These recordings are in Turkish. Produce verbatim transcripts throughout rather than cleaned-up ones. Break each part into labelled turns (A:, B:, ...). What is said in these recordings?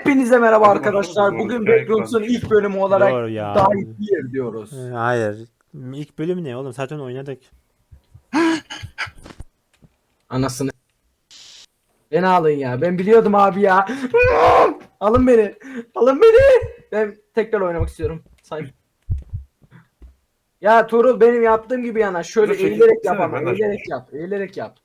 A: Hepinize merhaba
B: Hadi bakalım,
A: arkadaşlar.
B: doğru
A: Bugün
B: hikaye
A: Backrooms'un
B: güzelmiş.
A: ilk bölümü olarak
C: Doğru ya.
A: Die Here diyoruz.
C: Ee, Hayır. İlk bölüm ne oğlum? Zaten oynadık.
A: Anasını. Beni alın ya. Ben biliyordum abi ya. Alın beni. Alın beni. Ben tekrar oynamak istiyorum. Say. Ya Tuğrul benim yaptığım gibi yana. Şöyle
B: Dur, çekil,
A: eğilerek
B: çekilsene,
A: yap ama.
B: ben de
A: Eğilerek
B: açmış.
A: yap. Eğilerek yap.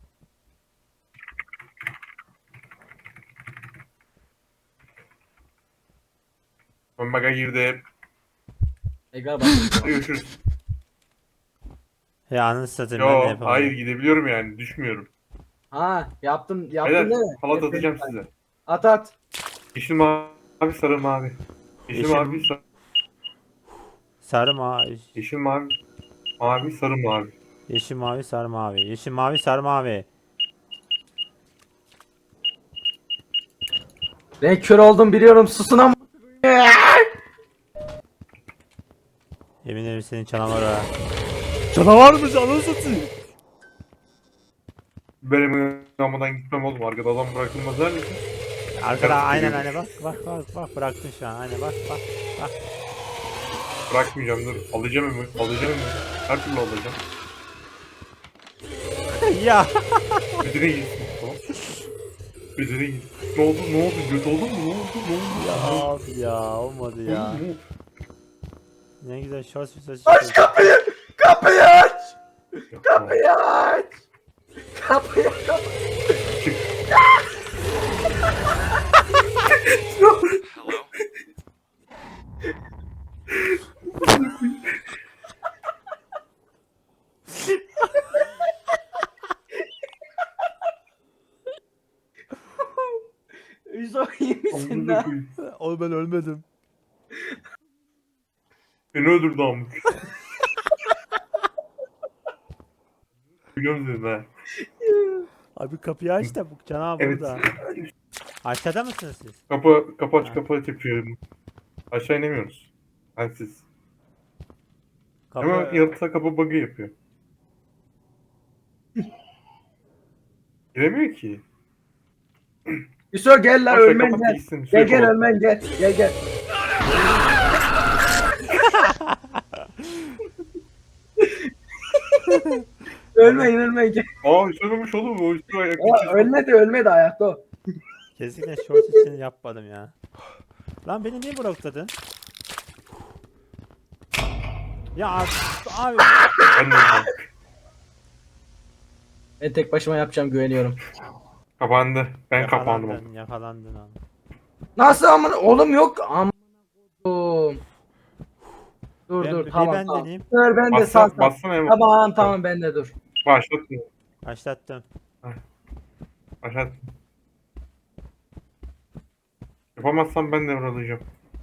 B: Ben baga girdim.
A: Tekrar bak.
B: Görüşürüz.
C: Ya anasını satayım ben de
B: Yo,
C: yapamadım.
B: hayır gidebiliyorum yani. Düşmüyorum.
A: Ha yaptım. Yaptım
B: Beyler,
A: değil mi?
B: halat
A: Hep
B: atacağım
A: benim-
B: size.
A: At at.
B: Yeşil mavi, sarı mavi. Yeşil,
C: Yeşil-
B: mavi, sarı,
C: Sarı mavi.
B: yeşil mavi, mavi, sarı mavi.
C: Yeşil mavi sarı mavi. Yeşil mavi sarı mavi.
A: Ben kör oldum biliyorum. Susun ama.
C: Yemin ederim senin canavar ha. Canavarmış anasını satayım.
B: Benim yanımdan gitmem oğlum. Arkada adam bırakılmaz der misin?
C: Arkada
B: Evet,
C: aynen
B: geliyorum.
C: aynen bak bak bak bak bıraktın şu an aynen bak bak bak.
B: Bırakmayacağım dur. Alacağım ömür. Alacağım ömür. Her türlü alacağım.
C: Ya.
B: Ödüne gitsin. Tamam. Ödüne gitsin. Ne oldu? Ne oldu? Göt oldun mu? Ne oldu? Ne oldu?
C: Ya abi ya olmadı
B: Ne
C: ya.
B: oldu? Ne oldu?
C: Ne güzel shorts bir saç.
A: Aç kapıyı. Kapıyı aç.
B: Yapma.
A: Kapıyı aç. Kapıyı kapıyı.
B: Çık.
A: Üzo iyi misin
B: Amına
A: lan?
B: koyayım.
C: Oğlum ben ölmedim.
B: Beni öldürdü amk. Biliyorum dedim ha.
C: Abi kapıyı aç da bu canavar
B: Evet.
C: burada. Aşağıda mısınız siz?
B: Kapı, kapı aç,
C: Ha.
B: kapı aç yapıyorum. Aşağı inemiyoruz. Bensiz.
C: Kapı...
B: Ama yaratığa kapı bug'ı yapıyor. Giremiyor ki.
A: Üzo gel lan
B: Aşağı
A: ölmen
B: kapat
A: gel.
B: gitsin.
A: Gel gel
B: Sürekli
A: ölmen gel. Gel gel. Ölmeyin ölmeyin gel.
B: Aa söylememiş oğlum. O üstüne ayak
A: O,
B: geçirsin.
A: ölmedi ölmedi ayakta o.
C: Kesinlikle short için yapmadım ya. Lan beni niye blokladın? Ya abi, abi.
B: Ben de öldüm.
A: Ben tek başıma yapacağım güveniyorum.
B: Kapandı. Ben kapandım.
C: Yakalandın, yakalandın abi.
A: Nasıl amına oğlum yok amına koydum. Dur
C: Ben-
A: dur
C: bir
A: tamam
C: ben
A: tamam.
C: deneyeyim.
A: Dur ben de sağ
B: Bassana,
A: sağ.
B: bassana hemen.
A: Tamam tamam ben de dur.
B: Başlat.
C: Başlattım.
B: Başlat. Yapamazsam ben de alacağım.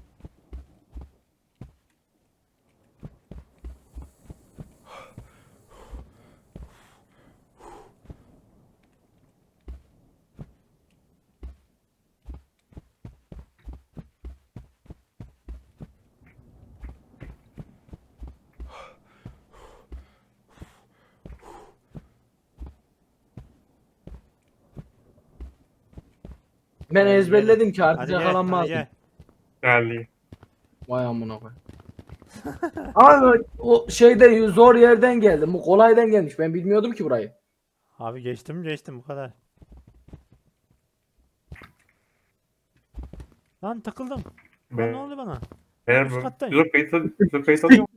A: Ben ezberledim ki artık
C: Hadi gel, hadi
A: yakalanmazdım.
C: gel.
B: Değerli.
A: Vay amına koy. Ama o şeyde zor yerden geldim. Bu kolaydan gelmiş. Ben bilmiyordum ki burayı.
C: Abi geçtim geçtim bu kadar. Lan takıldım. Lan ne oldu bana?
B: Eğer
C: Üst
B: bu.
C: kattayım.
B: Yüzü kayıt al- yüzü kayıt alıyor.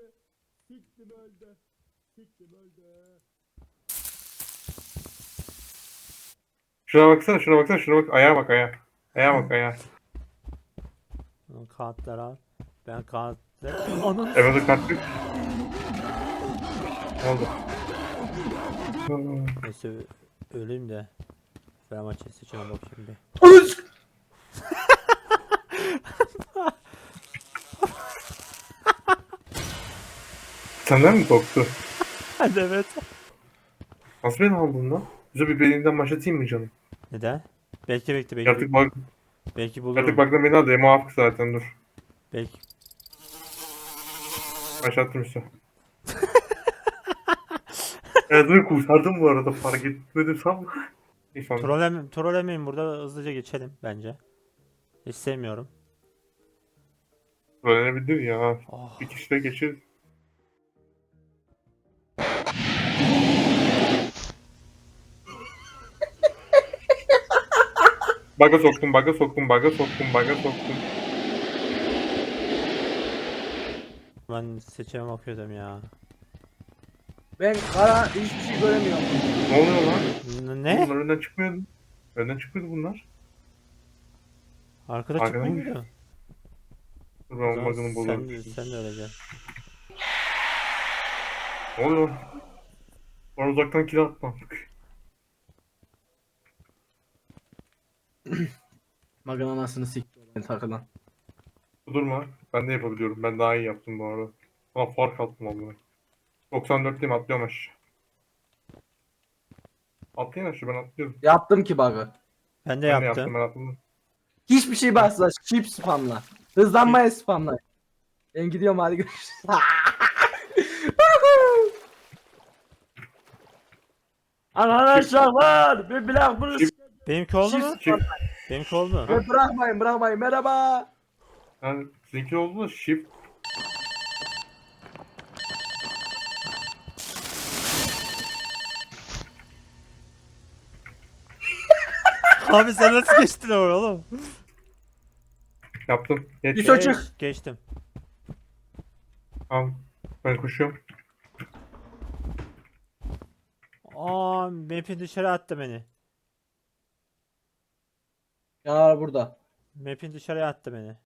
B: Şuna baksana, şuna baksana, şuna bak. Ayağa bak, ayağa. Ayağa bak, ayağa.
C: Lan kağıtlar al. Ben kağıtlar... Ananı
B: Evet, o kart yok. Ne oldu?
C: Neyse ö- öleyim de. Fenerbahçe seçime bak şimdi.
B: Senden mi korktu?
C: Hadi evet.
B: Nasıl beni aldın lan? Yüzü bir belinden başlatayım mı canım?
C: Neden? Belki bekle belki.
B: Artık bak,
C: Belki bulurum.
B: artık bakla beni aldı. Muafık zaten dur.
C: Belki.
B: Başlattım işte. Evet, dur kurtardım bu arada, fark etmedim sanma. İyi sandım.
C: Trollem trollemeyin burada hızlıca geçelim bence. İstemiyorum.
B: Öğrenebilir ya.
C: Oh.
B: Bir kişi de geçir. Baga soktum, baga soktum, baga soktum, baga soktum.
C: Ben seçime bakıyordum ya.
A: Ben kara hiçbir şey göremiyorum.
B: Ne oluyor lan?
C: N-
B: Ne?
C: Ne?
B: Bunlar önden çıkmıyordu. Önden çıkmıyordu bunlar.
C: Arkada
B: Arkadan
C: çıkmıyor
B: gir.
C: muydu?
B: Dur
C: O
B: ben
C: zaman
B: bug'ını
C: sen
B: bulurum.
C: de, sen de öleceksin.
B: Ne oluyor? Bana uzaktan kill atma.
A: Maganın anasını sikti ben takılan.
B: Durma. Ben de yapabiliyorum. Ben daha iyi yaptım bu arada. Ama fark attım abla. doksan dörtteyim, atlıyorum aşağı. Atlayın aşağı, ben atlıyorum.
A: Yaptım ki bug'ı.
C: Ben de
B: Ben de yaptım,
C: yaptım.
B: ben atladım.
A: Hiçbir şey basla. Chip spamla. Hızlanmaya spamla. Ben gidiyorum hadi görüşürüz. Arkadaşlar bir bilak bunu
B: Chip-
C: Benimki oldu mu?
B: Çift.
C: Benimki oldu.
A: Ve bırakmayın bırakmayın merhaba.
B: Yani sizinki oldu da shift.
C: Abi sen nasıl geçtin oraya oğlum?
B: Yaptım. Geç.
A: Bir çocuk.
C: Geç- geçtim.
B: Tamam. Ben koşuyorum.
C: Aa, map'i dışarı attı beni.
A: Canavar burada.
C: Map'in dışarıya attı beni.